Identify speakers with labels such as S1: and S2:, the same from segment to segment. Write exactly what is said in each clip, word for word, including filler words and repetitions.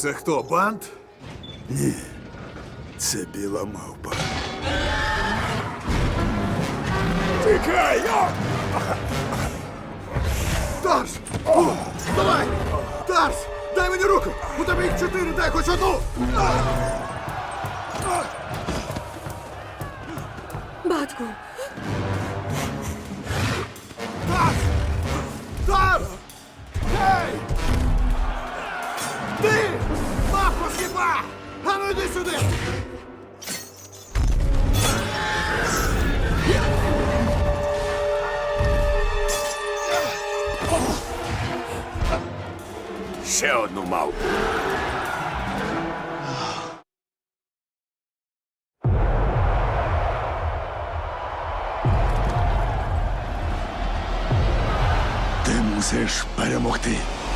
S1: Це хто, бант?
S2: Ні, це біла мавпа.
S1: Тікай! о! Тарс! О, давай! Тарс! Дай мені руку! У тебе їх чотири, дай хоч одну!
S3: Батьку,
S1: Тарс! Тарс! Гей! Ти! Мавко хіба! А ну йди сюди!
S2: Ще одну мавпу. Ти мусиш перемогти.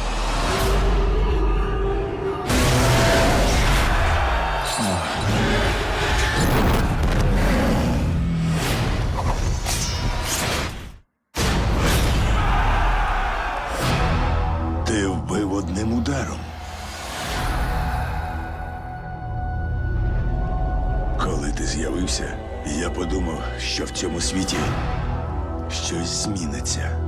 S2: Ти вбив одним ударом. Коли ти з'явився, я подумав, що в цьому світі щось зміниться.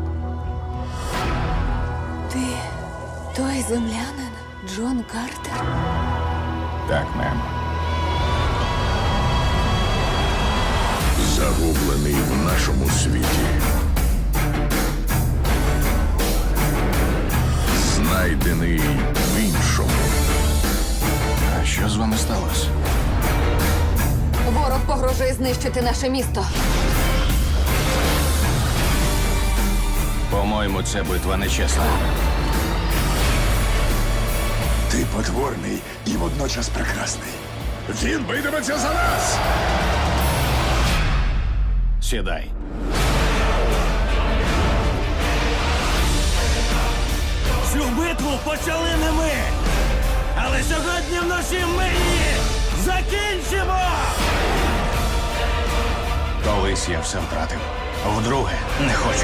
S3: ти той землянин Джон Картер?
S2: Так, мем. Загублений в нашому світі. Знайдений в іншому. А що з вами сталося?
S3: Ворог погрожує знищити наше місто.
S4: По-моєму, це битва нечесна.
S2: Ти потворний і водночас прекрасний. Він битиметься за нас!
S4: Сідай.
S5: Цю битву почали не ми. Але сьогодні вночі ми її закінчимо!
S4: Колись я все втратив. Вдруге не хочу.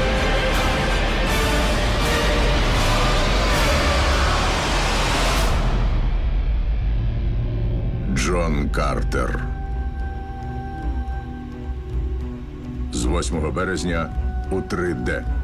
S2: Джон Картер. З восьмого березня у три Д.